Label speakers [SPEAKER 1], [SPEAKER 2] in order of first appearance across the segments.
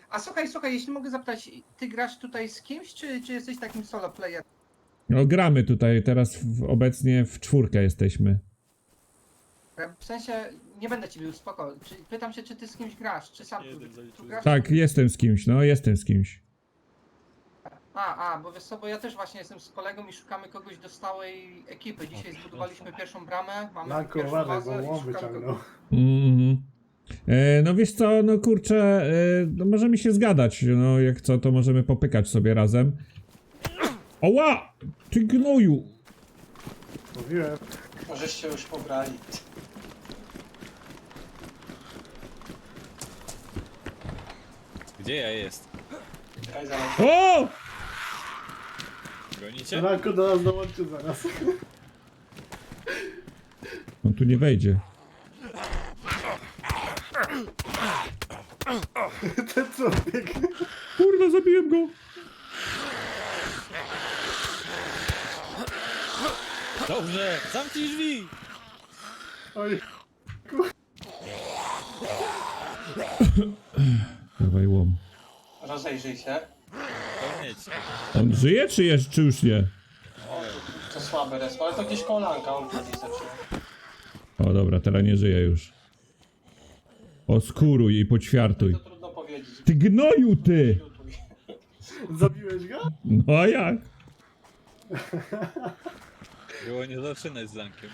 [SPEAKER 1] A słuchaj, jeśli mogę zapytać, ty grasz tutaj z kimś, czy jesteś takim solo player?
[SPEAKER 2] No gramy tutaj, teraz obecnie w 4 jesteśmy.
[SPEAKER 1] W sensie, nie będę ci bił, spoko. Pytam się, czy ty z kimś grasz, czy sam tu grasz?
[SPEAKER 2] Tak, jestem z kimś, no jestem z kimś.
[SPEAKER 1] Bo wiesz co, bo ja też właśnie jestem z kolegą i szukamy kogoś do stałej ekipy. Dzisiaj zbudowaliśmy pierwszą bramę, mamy
[SPEAKER 3] Lanko,
[SPEAKER 1] pierwszą
[SPEAKER 3] uważaj,
[SPEAKER 1] bazę
[SPEAKER 3] bo
[SPEAKER 1] i
[SPEAKER 3] łom
[SPEAKER 1] szukamy
[SPEAKER 3] wyciągnął.
[SPEAKER 2] Mhm. No wiesz co, no kurczę, no możemy się zgadać, no jak co, to możemy popykać sobie razem. Oła! Ty gnoju!
[SPEAKER 3] Mówiłem.
[SPEAKER 4] Możesz się już pobrali.
[SPEAKER 5] Gdzie ja jest?
[SPEAKER 4] Czekaj, zaraz.
[SPEAKER 2] O!
[SPEAKER 5] Gonicie?
[SPEAKER 3] Lanko do nas dołączy zaraz.
[SPEAKER 2] On tu nie wejdzie.
[SPEAKER 3] Ten co biegnie.
[SPEAKER 2] Kurwa, zabiłem go!
[SPEAKER 5] Dobrze! Zamknij drzwi!
[SPEAKER 3] Oj,
[SPEAKER 2] Dawaj łom.
[SPEAKER 4] Rozejrzyj się.
[SPEAKER 5] Koniec.
[SPEAKER 2] On żyje, czy już nie?
[SPEAKER 4] O, to słabe respo, ale to gdzieś kolanka, on gdzieś zaczyna.
[SPEAKER 2] O dobra, teraz nie żyje już. Oskuruj i poćwiartuj.
[SPEAKER 4] To trudno powiedzieć.
[SPEAKER 2] Ty gnoju, ty!
[SPEAKER 4] Lutuj.
[SPEAKER 3] zabiłeś go?
[SPEAKER 2] No a jak?
[SPEAKER 5] Było nie zaczynać z Lankiem.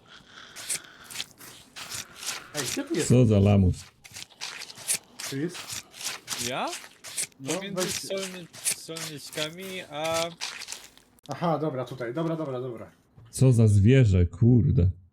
[SPEAKER 3] Ej, gdzie tu jest?
[SPEAKER 2] Co za lamus.
[SPEAKER 3] Tu jest?
[SPEAKER 5] Ja?
[SPEAKER 3] No,
[SPEAKER 5] Pomiędzy
[SPEAKER 3] weź-
[SPEAKER 5] solniczkami a...
[SPEAKER 3] Aha, dobra, tutaj. Dobra.
[SPEAKER 2] Co za zwierzę, kurde.